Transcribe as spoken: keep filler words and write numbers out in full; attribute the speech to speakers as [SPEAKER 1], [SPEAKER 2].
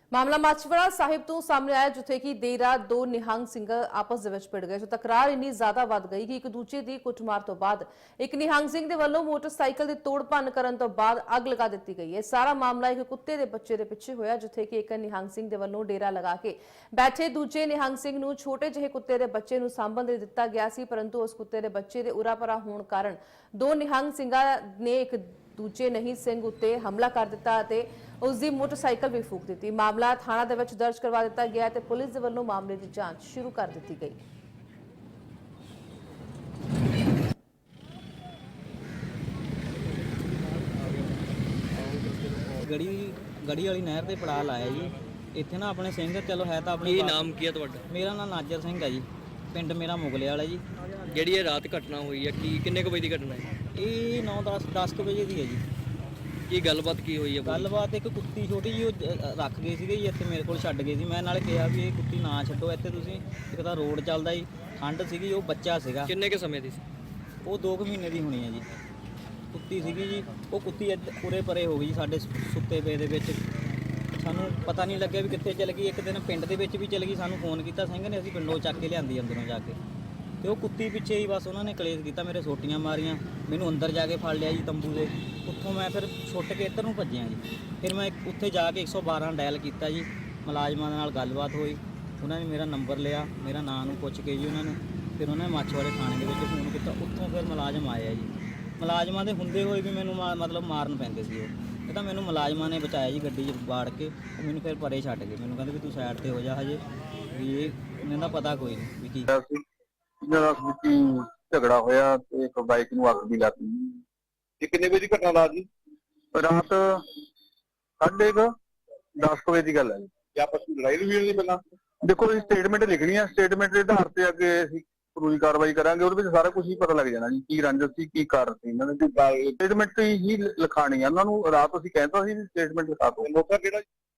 [SPEAKER 1] ਮਾਮਲਾ ਮਾਛੀਵਾੜਾ ਸਾਹਿਬ ਤੋਂ ਸਾਹਮਣੇ ਆਇਆ, ਜਿੱਥੇ ਕਿ ਦੇਰ ਰਾਤ ਦੋ ਨਿਹੰਗ ਸਿੰਘ ਆਪਸ ਦੇ ਵਿੱਚ ਭਿੜ ਗਏ। ਜੋ ਤਕਰਾਰ ਇੰਨੀ ਜ਼ਿਆਦਾ ਵੱਧ ਗਈ ਕਿ ਇੱਕ ਦੂਜੇ ਦੀ ਕੁੱਟਮਾਰ ਤੋਂ ਬਾਅਦ ਇੱਕ ਨਿਹੰਗ ਸਿੰਘ ਦੇ ਵੱਲੋਂ ਮੋਟਰਸਾਈਕਲ ਦੀ ਤੋੜ ਭੰਨ ਕਰਨ ਤੋਂ ਬਾਅਦ ਅੱਗ ਲਗਾ ਦਿੱਤੀ ਗਈ ਹੈ। ਸਾਰਾ ਮਾਮਲਾ ਇੱਕ ਕੁੱਤੇ ਦੇ ਬੱਚੇ ਦੇ ਪਿੱਛੇ ਹੋਇਆ, ਜਿੱਥੇ ਕਿ ਇੱਕ ਨਿਹੰਗ ਸਿੰਘ ਦੇ ਵੱਲੋਂ ਡੇਰਾ ਲਗਾ ਕੇ ਬੈਠੇ ਦੂਜੇ ਨਿਹੰਗ ਸਿੰਘ ਨੂੰ ਛੋਟੇ ਜਿਹੇ ਕੁੱਤੇ ਦੇ ਬੱਚੇ ਨੂੰ ਸਾਂਭਣ ਦੇ ਦਿੱਤਾ ਗਿਆ ਸੀ, ਪਰੰਤੂ ਉਸ ਕੁੱਤੇ ਦੇ ਬੱਚੇ ਦੇ ਉਰਾ-ਪਰਾ ਹੋਣ ਕਾਰਨ ਦੋ ਨਿਹੰਗ ਸਿੰਘਾਂ ਨੇ ਇੱਕ ਦੂਜੇ ਨਹੀਂ ਸਿੰਘ ਉੱਤੇ ਹਮਲਾ ਕਰ ਦਿੱਤਾ ਅਤੇ ਉਸ ਦੀ ਮੋਟਰਸਾਈਕਲ ਵੀ ਫੂਕ ਦਿੱਤੀ। ਮਾਮਲਾ ਥਾਣਾ ਦੇ ਵਿੱਚ ਦਰਜ ਕਰਵਾ ਦਿੱਤਾ ਗਿਆ ਤੇ ਪੁਲਿਸ ਦੇ ਵੱਲੋਂ ਮਾਮਲੇ ਦੀ ਜਾਂਚ ਸ਼ੁਰੂ ਕਰ ਦਿੱਤੀ ਗਈ।
[SPEAKER 2] ਗੜੀ ਗੜੀ ਵਾਲੀ ਨਹਿਰ ਤੇ ਪੜਾ ਲਾਇਆ ਜੀ। ਇੱਥੇ ਨਾ ਆਪਣੇ ਸਿੰਘ ਚਲੋ ਹੈ ਤਾਂ ਆਪਣੇ
[SPEAKER 3] ਕੀ ਨਾਮ ਕੀ ਹੈ ਤੁਹਾਡਾ?
[SPEAKER 2] ਮੇਰਾ ਨਾਮ ਨਾਜਰ ਸਿੰਘ ਹੈ ਜੀ। ਪਿੰਡ ਮੇਰਾ ਮੁਗਲੇ ਵਾਲਾ ਜੀ।
[SPEAKER 3] ਜਿਹੜੀ ਇਹ ਰਾਤ ਘਟਨਾ ਹੋਈ ਹੈ ਕੀ ਕਿੰਨੇ ਕੁ ਵਜੇ ਦੀ ਘਟਨਾ ਹੈ?
[SPEAKER 2] ਇਹ ਨੌ ਦਸ ਦਸ ਕੁ ਵਜੇ ਦੀ ਹੈ ਜੀ।
[SPEAKER 3] ਕੀ ਗੱਲਬਾਤ ਕੀ ਹੋਈ ਹੈ?
[SPEAKER 2] ਗੱਲਬਾਤ ਇੱਕ ਕੁੱਤੀ ਛੋਟੀ ਜੀ ਉਹ ਅ, ਰੱਖ ਗਏ ਸੀਗੇ ਜੀ ਇੱਥੇ ਮੇਰੇ ਕੋਲ ਛੱਡ ਗਏ ਸੀ। ਮੈਂ ਨਾਲੇ ਕਿਹਾ ਵੀ ਇਹ ਕੁੱਤੀ ਨਾ ਛੱਡੋ ਇੱਥੇ ਤੁਸੀਂ, ਇੱਕ ਤਾਂ ਰੋਡ ਚੱਲਦਾ ਜੀ, ਠੰਡ ਸੀਗੀ, ਉਹ ਬੱਚਾ ਸੀਗਾ।
[SPEAKER 3] ਕਿੰਨੇ ਕੁ ਸਮੇਂ ਦੀ ਸੀ?
[SPEAKER 2] ਉਹ ਦੋ ਕੁ ਮਹੀਨੇ ਦੀ ਹੋਣੀ ਹੈ ਜੀ। ਕੁੱਤੀ ਸੀਗੀ ਜੀ, ਉਹ ਕੁੱਤੀ ਇੱਧ- ਉਰੇ ਪਰੇ ਹੋ ਗਈ ਜੀ ਸਾਡੇ ਸੁ- ਸੁੱਤੇ ਪਏ ਦੇ ਵਿੱਚ। ਸਾਨੂੰ ਪਤਾ ਨਹੀਂ ਲੱਗਿਆ ਵੀ ਕਿੱਥੇ ਚਲ ਗਈ। ਇੱਕ ਦਿਨ ਪਿੰਡ ਦੇ ਵਿੱਚ ਵੀ ਚਲ ਗਈ, ਸਾਨੂੰ ਫੋਨ ਕੀਤਾ ਸਿੰਘ ਨੇ, ਅਸੀਂ ਪਿੰਡੋਂ ਚੱਕ ਕੇ ਲਿਆਂਦੀ ਅੰਦਰੋਂ ਜਾ ਕੇ। ਤੇ ਉਹ ਕੁੱਤੀ ਪਿੱਛੇ ਹੀ ਬਸ ਉਹਨਾਂ ਨੇ ਕਲੇਸ਼ ਕੀਤਾ, ਮੇਰੇ ਸੋਟੀਆਂ ਮਾਰੀਆਂ, ਮੈਨੂੰ ਅੰਦਰ ਜਾ ਕੇ ਫੜ ਲਿਆ ਜੀ ਤੰਬੂ ਦੇ। ਉੱਥੋਂ ਮੈਂ ਫਿਰ ਛੁੱਟ ਕੇ ਇੱਧਰ ਨੂੰ ਭੱਜਿਆ ਜੀ। ਫਿਰ ਮੈਂ ਉੱਥੇ ਜਾ ਕੇ ਇੱਕ ਸੌ ਬਾਰਾਂ ਡਾਇਲ ਕੀਤਾ ਜੀ। ਮੁਲਾਜ਼ਮਾਂ ਦੇ ਨਾਲ ਗੱਲਬਾਤ ਹੋਈ, ਉਹਨਾਂ ਨੇ ਮੇਰਾ ਨੰਬਰ ਲਿਆ, ਮੇਰਾ ਨਾਂ ਨੂੰ ਪੁੱਛ ਕੇ ਜੀ ਉਹਨਾਂ ਨੇ ਫਿਰ ਉਹਨਾਂ ਨੇ ਮਾਛੀਵਾੜੇ ਥਾਣੇ ਦੇ ਵਿੱਚ ਫੋਨ ਕੀਤਾ। ਉੱਥੋਂ ਫਿਰ ਮੁਲਾਜ਼ਮ ਆਏ ਆ ਜੀ। ਮੁਲਾਜ਼ਮਾਂ ਦੇ ਹੁੰਦੇ ਹੋਏ ਵੀ ਮੈਨੂੰ ਮਾ- ਮਤਲਬ ਮਾਰਨ ਪੈਂਦੇ ਸੀ ਉਹ। ਇਹ ਤਾਂ ਮੈਨੂੰ ਮੁਲਾਜ਼ਮਾਂ ਨੇ ਬਚਾਇਆ ਜੀ, ਗੱਡੀ 'ਚ ਬਾੜ ਕੇ। ਉਹ ਮੈਨੂੰ ਫਿਰ ਪਰੇ ਛੱਡ ਗਏ, ਮੈਨੂੰ ਕਹਿੰਦੇ ਵੀ ਤੂੰ ਸਾਈਡ ਤੇ ਹੋ ਜਾ ਹਜੇ, ਵੀ ਇਹ ਇਹਨਾਂ ਦਾ ਪਤਾ ਕੋਈ ਨਹੀਂ ਵੀ ਕੀ।
[SPEAKER 4] ਇਹਨਾਂ ਦਾ ਵਿੱਚ ਝਗੜਾ ਹੋਇਆ ਤੇ ਇੱਕ ਬਾਈਕ ਨੂੰ ਅੱਗ ਵੀ ਲੱਗ ਗਈ।
[SPEAKER 5] ਇਹ ਕਿੰਨੇ ਵਜੇ ਦੀ ਘਟਨਾ ਰਾਤ ਦੀ?
[SPEAKER 4] ਰਾਤ ਸਾਢੇ ਕੁ ਦਸ ਕੁ ਵਜੇ ਦੀ ਗੱਲ ਹੈ ਜੀ।
[SPEAKER 5] ਜਾਂ ਆਪਸ ਵਿੱਚ ਲੜਾਈ ਵੀ ਹੋਈ ਪਹਿਲਾਂ?
[SPEAKER 4] ਦੇਖੋ ਜੀ, ਸਟੇਟਮੈਂਟ ਲਿਖਣੀ ਹੈ, ਸਟੇਟਮੈਂਟ ਦੇ ਆਧਾਰ ਤੇ ਅੱਗੇ ਅਸੀਂ ਕਾਨੂੰਨੀ ਕਾਰਵਾਈ ਕਰਾਂਗੇ। ਉਹਦੇ ਵਿੱਚ ਸਾਰਾ ਕੁਝ ਹੀ ਪਤਾ ਲੱਗ ਜਾਣਾ ਜੀ, ਕੀ ਰੰਜਿਸ਼ ਸੀ, ਕੀ ਕਾਰਨ ਸੀ ਇਹਨਾਂ ਦੇ। ਸਟੇਟਮੈਂਟ ਹੀ ਲਿਖਾਣੀ ਹੈ ਉਹਨਾਂ ਨੂੰ। ਰਾਤ ਅਸੀਂ ਕਹਿੰਦਾ ਸੀ ਸਟੇਟਮੈਂਟ ਲਿਖਾ ਦਿਓ।
[SPEAKER 5] ਮੌਕਾ ਕਿਹੜਾ?